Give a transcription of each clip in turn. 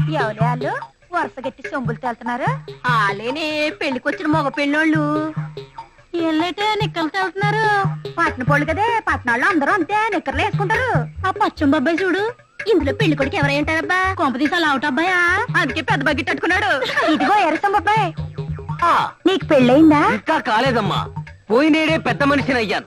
ఎవరే వాళ్ళు వరుస గట్టి సొంబులు తేలుతున్నారు? ఆలేనే పెళ్లికొచ్చిన మగ పెళ్ళోళ్ళు. ఎల్లైతే నిక్కలు తేలుతున్నారు. పట్న పోళ్ళు కదే, పట్నాళ్ళు అందరూ అంతే నిక్కర్లు వేసుకుంటారు. ఆ పచ్చం బాబాయ్ చూడు, ఇందులో పెళ్లి కొడుకు ఎవరై ఉంటారబ్బా? కొంపదీసాలు అవుట్ అబ్బాయా? అందుకే పెద్ద బగ్గిట్ అట్టుకున్నాడు. ఇదిగో ఎరసం అబ్బాయి, నీకు పెళ్ళయిందా? ఇంకా కాలేదమ్మా, పోయినేడే పెద్ద మనిషిని అయ్యాను.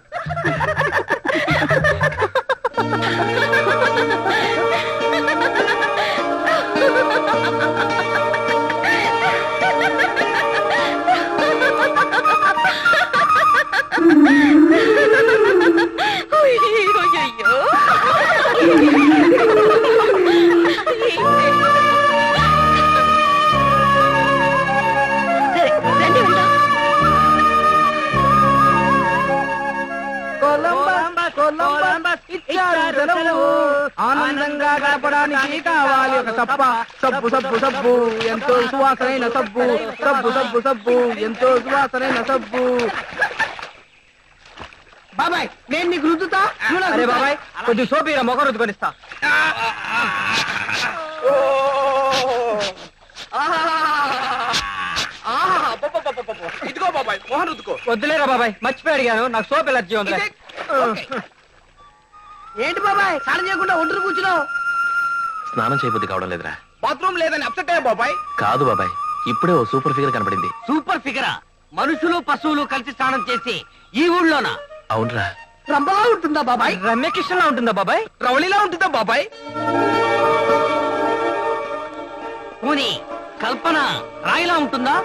ఆనందంగా గడపడానికి కావాలి ఒక సప్ప. సబ్బు సబ్బు సబ్బు ఎంతో సువాసనైన సబ్బు. సబ్బు సబ్బు సబ్బు ఎంతో సువాసనైన సబ్బు. బాబాయ్ నేను నీకు రుద్దుతా. అరే బాబాయ్, కొద్ది సోపీరా మొగ రుద్దుకొనిస్తా. ఇదిగో బాబాయ్ మోహన్ రుద్దుకో. వద్దులేరా బాబాయ్, మర్చిపోయి అడిగాను, నాకు సోప్ ఎలర్జీ ఉంది. ఏంటి బాబాయ్ స్నానం చేయకుండా ఒంటరి కూర్చున్నావు? స్నానం చేయబుద్ధి కావడం లేదురా. బాత్రూమ్ లేదని అప్సెట్ అయ్యా బాబాయ్. కాదు బాబాయ్, ఇప్పుడే ఓ సూపర్ ఫిగర్ కనపడింది. సూపర్ ఫిగరా? మనుషులు పశువులు కలిసి స్నానం చేసి ఈ ఊళ్ళోనా? అవునరా. రంబలా ఉంటుందా బాబాయ్? రమ్యకృష్ణలా ఉంటుందా బాబాయ్? రవళిలా ఉంటుందా బాబాయ్? పోనీ కల్పన రాయిలా ఉంటుందా?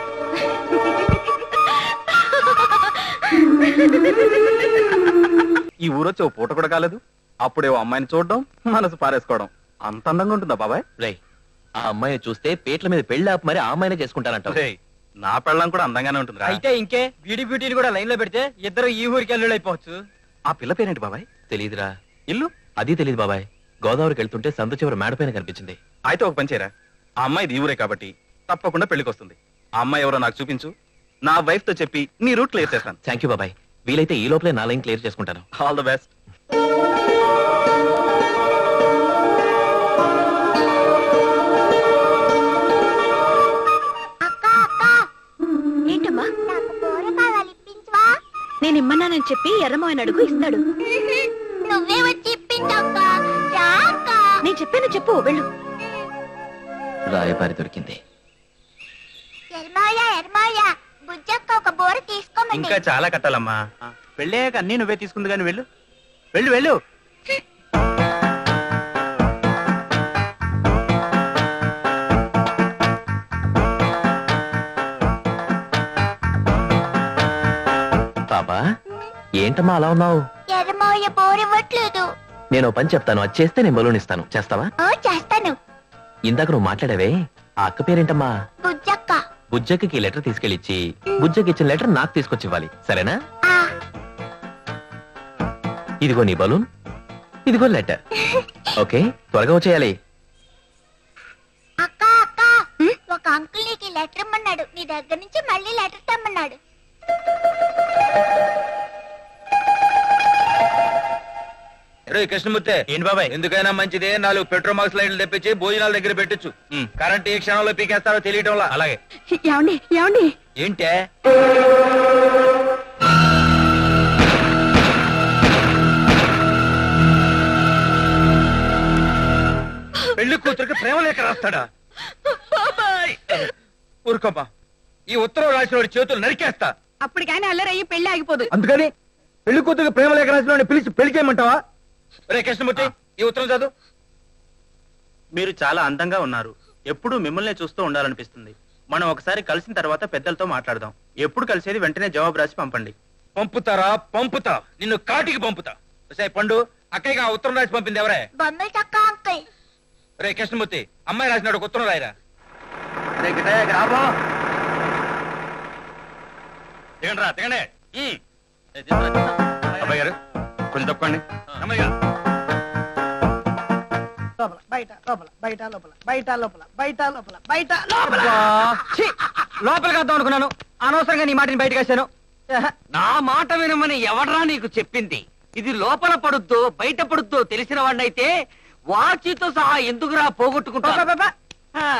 ఈ ఊరొచ్చి ఓ పూట కూడా కాలేదు, అప్పుడే ఓ అమ్మాయిని చూడడం, మనసు పారేసుకోవడం. అంత అందంగా ఉంటుందా బాబాయ్? రే, ఆ అమ్మాయిని చూస్తే పేట్ల మీద పెళ్లి ఆపు మరి ఆ అమ్మాయినే చేసుకుంటానంట. రేయ్, నా పెళ్ళం కూడా అందంగానే ఉంటుంది. అయితే ఇంకే బ్యూటీ బ్యూటీని కూడా లైన్ లో పెడితే ఇద్దరు ఈ ఊరికి అల్లుడు అయిపోవచ్చు. ఆ పిల్ల పేరేంటి బాబాయ్? తెలీదురా. ఇల్లు అది తెలీదు బాబాయ్. గోదావరికి వెళ్తుంటే సందు చివరి మేడపైన కనిపించింది. అయితే ఒక పని చేయరా, ఆ అమ్మాయి ఈ ఊరే కాబట్టి తప్పకుండా పెళ్లికి వస్తుంది. ఆ అమ్మాయి ఎవరో నాకు చూపించు, నా వైఫ్ తో చెప్పి నీ రూట్ క్లియర్ చేస్తాను. థ్యాంక్ యూ బాబాయ్. వీలైతే ఈ లోపలే నా లైన్ క్లియర్ చేసుకుంటాను. All the best. ఏంటమ్మా? నేను ఇమ్మన్నానని చెప్పి ఎర్రమోయన అడుగు ఇస్తాడు. నువ్వే వచ్చి ఇప్పించక్క. నేను చెప్పాను చెప్పు, వెళ్ళు. రాయబారి దొరికింది. బుజ్జక్క ఒక బోర తీసుకోమండి. ఇంకా చాలా కట్టాలమ్మా. పెళ్ళాక అన్ని నువ్వే తీసుకుంది కానీ వెళ్ళు వెళ్ళు వెళ్ళు. పాపా, ఏంటమ్మా అలా ఉన్నావు? ఎర్రమోయ బోర్ ఇవ్వట్లేదు. నేను ఓ పని చెప్తాను, అది చేస్తే నేను బలూన్ ఇస్తాను. చేస్తావా? చేస్తాను. ఇందాక నువ్వు మాట్లాడావే, ఆ అక్క పేరేంటమ్మా? బుజ్జక్క. బుజ్జకి లెటర్ తీసుకెళ్ళిచ్చి బుజ్జకి ఇచ్చిన లెటర్ నాకు తీసుకొచ్చి ఇవ్వాలి, సరేనా? ఇదిగో నీ బలూన్, ఇదిగో లెటర్. ఓకే, త్వరగా వచ్చేయాలి. అక్క అక్క, ఒక అంకుల్ నీకు లెటర్ ఇమ్మన్నాడు. నీ దగ్గర నుంచి మళ్ళీ లెటర్ తెమ్మన్నాడు. కృష్ణమూర్తి, ఏంటి బాబాయ్? ఎందుకైనా మంచిదే 4 పెట్రోల్ మార్క్స్ లైట్లు తెప్పించి భోజనాల దగ్గర పెట్టచ్చు. కరెంట్ ఏ క్షణంలో పీకేస్తారో తెలియటం. అలాగే. ఏమండి ఏమండి? ఏంటే పెళ్లి కూతురికి ప్రేమ లేఖ రాస్తాడా? ఊరుకోమ్మా, ఈ ఉత్తరం రాసిన చేతులు నరికేస్తా. అప్పటికైనా అల్లరయ్యి పెళ్లి ఆగిపోదు. అందుకని పెళ్లి కూతురికి ప్రేమ లేఖ రాసిన పిలిచి పెళ్లి చేయమంటావా? రే కృష్ణమూర్తి, ఈ ఉత్తరం చదువు. మీరు చాలా అందంగా ఉన్నారు, ఎప్పుడూ మిమ్మల్ని చూస్తూ ఉండాలనిపిస్తుంది. మనం ఒకసారి కలిసిన తర్వాత పెద్దలతో మాట్లాడదాం. ఎప్పుడు కలిసేది వెంటనే జవాబు రాసి పంపండి. పంపుతారా? పంపుతా, నిన్ను కాటికి పంపుతా. పండు, అక్కయ్యగా ఉత్తరం రాసి పంపింది ఎవరే? బొమ్మలు చక్క అంకుల్. రే కృష్ణమూర్తి, అమ్మాయి రాసినాడు ఉత్తరం రాయరా. దిగండి దిగండి. అబ్బాయి గారు కొంచెం తప్పండి. అమ్మాయి గారు లోపలికి వద్దాం అనుకున్నాను, అనవసరంగా నీ మాటని బయటకు వచ్చాను. నా మాట వినమని ఎవడ్రా నీకు చెప్పింది? ఇది లోపల పడుద్దో బయట పడుద్దో తెలిసిన వాడినైతే వాచితో సహా ఎందుకురా పోగొట్టుకుంటా? ఆ.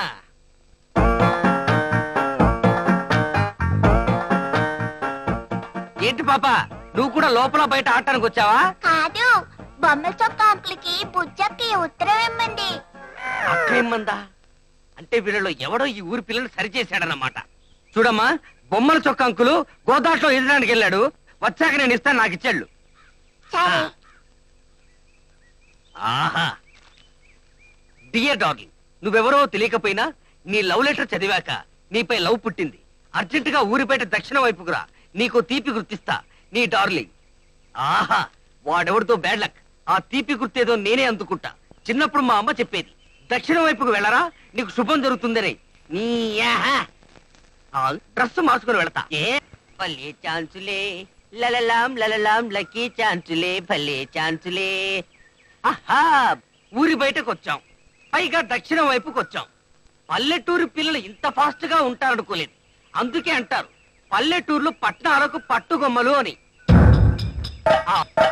ఏంటి పాప నువ్వు కూడా లోపల బయట ఆడటానికి వచ్చావా? కాదు, బొమ్మల చొక్క అంకుల్కి బుజ్జక్కి ఉత్తరం ఇమ్మంది. అక్కేమ్మందా? అంటే వీళ్ళలో ఎవడో ఈ ఊరి పిల్లలు సరిచేశాడన్నమాట. చూడమ్మా, బొమ్మల చొక్క అంకులు గోదాట్లో ఎదడానికి వెళ్ళాడు. వచ్చాక నేను ఇస్తాను, నాకు ఇచ్చాళ్ళు. సరే. ఆహా, డియర్ డార్లింగ్, నువ్వెవరో తెలియకపోయినా నీ లవ్ లెటర్ చదివాక నీపై లవ్ పుట్టింది. అర్జెంట్ గా ఊరి బయట దక్షిణ వైపుకురా, నీకు తీపి గుర్తిస్తా. నీ డార్లింగ్. ఆహా, వాడెవడితో బ్యాడ్ లక్. ఆ తీపి గుర్తేదో నేనే అందుకుంటా. చిన్నప్పుడు మా అమ్మ చెప్పేది, దక్షిణ వైపుకు వెళ్ళరా నీకు శుభం జరుగుతుందని. నీ డ్రెస్ మార్చుకుని వెళతా. ఏ భలే ఛాన్సులే, లలలాం లలలాం లక్కీ ఛాన్సులే, భలే ఛాన్సులే. ఆహా, ఊరి బయటకు వచ్చాం, పైగా దక్షిణం వైపుకి వచ్చాం. పల్లెటూరు పిల్లలు ఇంత ఫాస్ట్ గా ఉంటారనుకోలేదు. అందుకే అంటారు పల్లెటూర్లు పట్టణాలకు పట్టుగొమ్మలు అని. ఆ,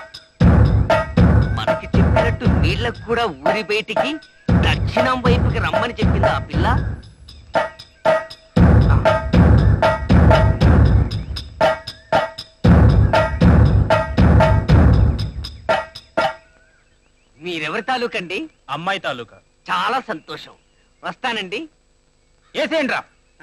మనకి చెప్పినట్టు వీళ్ళకు కూడా ఊరి బయటికి దక్షిణం వైపుకి రమ్మని చెప్పింది ఆ పిల్ల. మీరెవరి తాలూకండి? అమ్మాయి తాలూకా. చాలా సంతోషం, వస్తానండి. ఏసేంట్రా?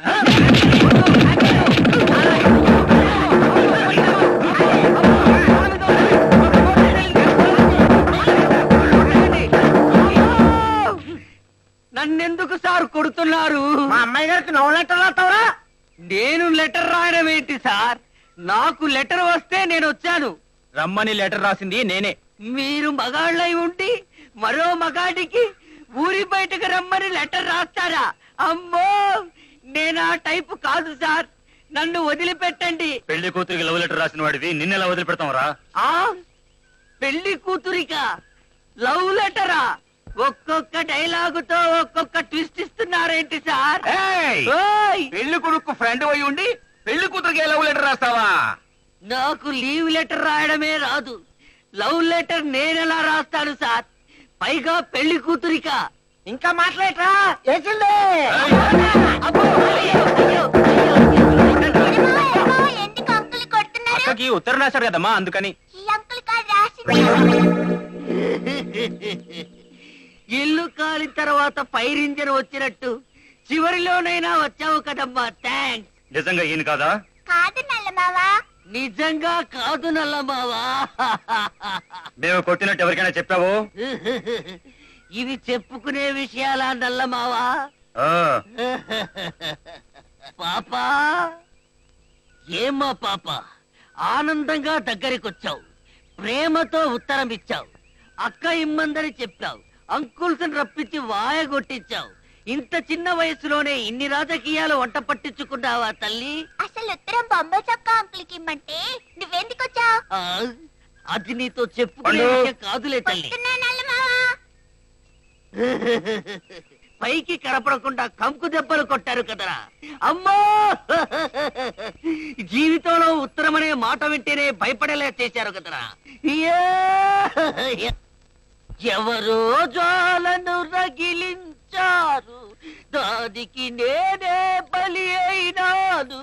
నన్నెందుకు సార్ కొడుతున్నారు? మా అమ్మాయి గారికి నవ్వు లెటర్ రాస్తావరా? నేను లెటర్ రాయడం ఏంటి సార్? నాకు లెటర్ వస్తే నేను వచ్చాను. రమ్మని లెటర్ రాసింది నేనే. మీరు మగాళ్ళై ఉండి మరో మగాడికి ఊరి బయటకు రమ్మని లెటర్ రాస్తారా? అమ్మో, నేను ఆ టైపు కాదు సార్, నన్ను వదిలిపెట్టండి. పెళ్లి కూతురికి లవ్ లెటర్ రాసిన వాడివి నిన్నెలా వదిలిపెడతాంరా? ఆ పెళ్లి కూతురికా లవ్ లెటరా? ఒక్కొక్క డైలాగుతో ఒక్కొక్క ట్విస్ట్ ఇస్తున్నారేంటి సార్? ఓయ్! పెళ్లి కొడుకు ఫ్రెండ్ అయి ఉండి పెళ్లి కూతురికి లవ్ లెటర్ రాస్తావా? నాకు లీవ్ లెటర్ రాయడమే రాదు, లవ్ లెటర్ నేనెలా రాస్తాను సార్? పైగా పెళ్లి కూతురికా? ఇంకా మాట్లాడరా? వేసిందే. అబ్బో, అయ్యో, అయ్యో, అయ్యో, అయ్యో. ఎందుకు అంకుల్ కొడుతున్నారు? అక్కకి ఉత్తరం రాశాడు కదమ్మా, అందుకని. ఈ అంకుల్ కాదు రాసింది. ఇల్లు కాలిన తర్వాత ఫైర్ ఇంజన్ వచ్చినట్టు చివరిలోనైనా వచ్చావు కదమ్మా, థ్యాంక్స్. నిజంగా ఈయన కాదా? కాదు నల్లమావా. నిజంగా కాదు నల్లమావా. మేము కొట్టినట్టు ఎవరికైనా చెప్పావు? ఇవి చెప్పుకునే విషయాలా నల్లమావా? ఆ, పాపా, ఏమ్మా పాప, ఆనందంగా దగ్గరికొచ్చావు, ప్రేమతో ఉత్తరం ఇచ్చావు, అక్క ఇమ్మందని చెప్పావు, అంకుల్స్ రప్పించి వాయగొట్టించావు. ఇంత చిన్న వయసులోనే ఇన్ని రాజకీయాలు వంట పట్టించుకున్నావా తల్లి? అసలు ఉత్తరం బొమ్మల చొక్క అంకుల్కి ఇమ్మంటే నువ్వెందుకు వచ్చావు? ఆ, అది నీతో చెప్పుకునే పండు. విషయం కాదులే తల్లి. నల్లమావా. పైకి కనపడకుండా కంకు దెబ్బలు కొట్టారు కదరా అమ్మో. జీవితంలో ఉత్తరం అనే మాట వింటేనే భయపడేలా చేశారు కదరా. ఎవరో జ్వాలను రగిలించారు, దానికి నేనే బలి అయినాను.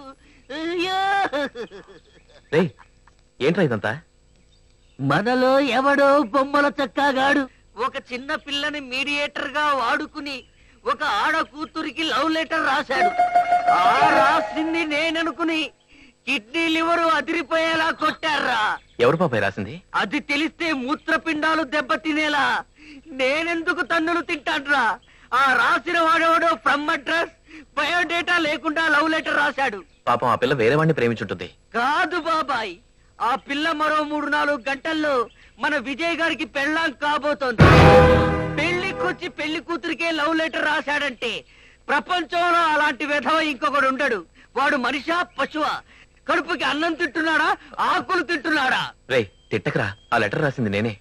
రేయ్, ఏంట్రా ఇదంతా? మనలో ఎవడో బొమ్మల చక్కాగాడు ఒక చిన్న పిల్లని మీడియేటర్ గా వాడుకుని ఒక ఆడ కూతురికి లవ్ లెటర్ రాశాడు. ఆ రాసింది నేననుకుని కిడ్నీ లివరు అదిరిపోయేలా కొట్టారా. ఎవరు పాపాయి రాసింది? అది తెలిస్తే మూత్రపిండాలు దెబ్బతినేలా నేనెందుకు తన్నులు తింటాడ్రా. ఆ రాసిన వాడెవడో ఫ్రమ్ అడ్రస్ బయోడేటా లేకుండా లవ్ లెటర్ రాశాడు. పాపం ఆ పిల్ల వేరే వాడిని ప్రేమించుంటుంది. కాదు బాబాయ్, ఆ పిల్ల మరో 3-4 గంటల్లో మన విజయ్ గారికి పెళ్ళాం కాబోతోంది. పెళ్లికొచ్చి పెళ్లి కూతురికే లవ్ లెటర్ రాశాడంటే ప్రపంచంలో అలాంటి విధవ ఇంకొకడు ఉండడు. వాడు మనిషా పశువా? కడుపుకి అన్నం తింటున్నాడా, ఆకులు తింటున్నాడా? రేయ్, తిట్టకరా, ఆ లెటర్ రాసింది నేనే.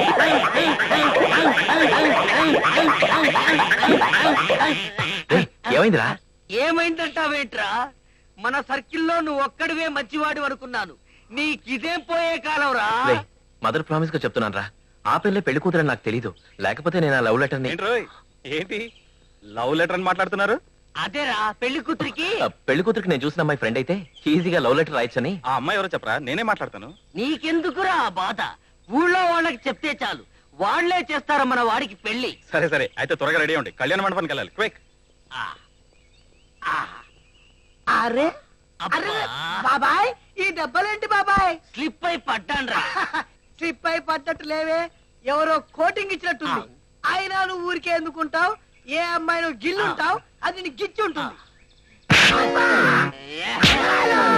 రేయ్, ఏమైందిరా? ఏమైందంటావేంట్రా? మన సర్కిల్లో నువ్వు ఒక్కడివే మంచివాడు అనుకున్నాను. నీకిదేం పోయే కాలం రా. రేయ్, మదర్ ప్రామిస్ గా చెప్తున్నాను రా, ఆ పిల్లే పెళ్లి కూతురని నాకు తెలీదు. లేకపోతే నేను ఆ లవ్ లెటర్ ని ఏంట్రోయ్, ఏంటి లవ్ లెటర్ అని మాట్లాడుతున్నారు? అదేరా పెళ్లి కూతురికి. పెళ్లి కూతురికి నేను చూసిన అమ్మాయి ఫ్రెండ్ అయితే ఈజీగా లవ్ లెటర్ రాయొచ్చని. ఆ అమ్మాయి ఎవరో చెప్పరా, నేనే మాట్లాడతాను. నీకెందుకురా ఆ బాధ? ఊళ్ళో వాళ్ళకి చెప్తే చాలు, వాళ్లే చేస్తారు మన వాడికి పెళ్లి. సరే సరే, అయితే త్వరగా రెడీ అవ్వండి, కళ్యాణ మండపానికి వెళ్ళాలి. క్విక్. ఆ, ఆ, అరే అబ్బా, బాబాయ్, ఈ దెబ్బలేంటి బాబాయ్? స్లిప్ అయి పడ్డాన్రా. స్లిప్ అయి పడ్డట్టు లేవే, ఎవరో కోటింగ్ ఇచ్చినట్టుంది. అయినా నువ్వు ఊరికే ఎందుకుంటావు? ఏ అమ్మాయి నువ్వు గిల్లుంటావు, అది నీ గిచ్చి ఉంటుంది. ఏ,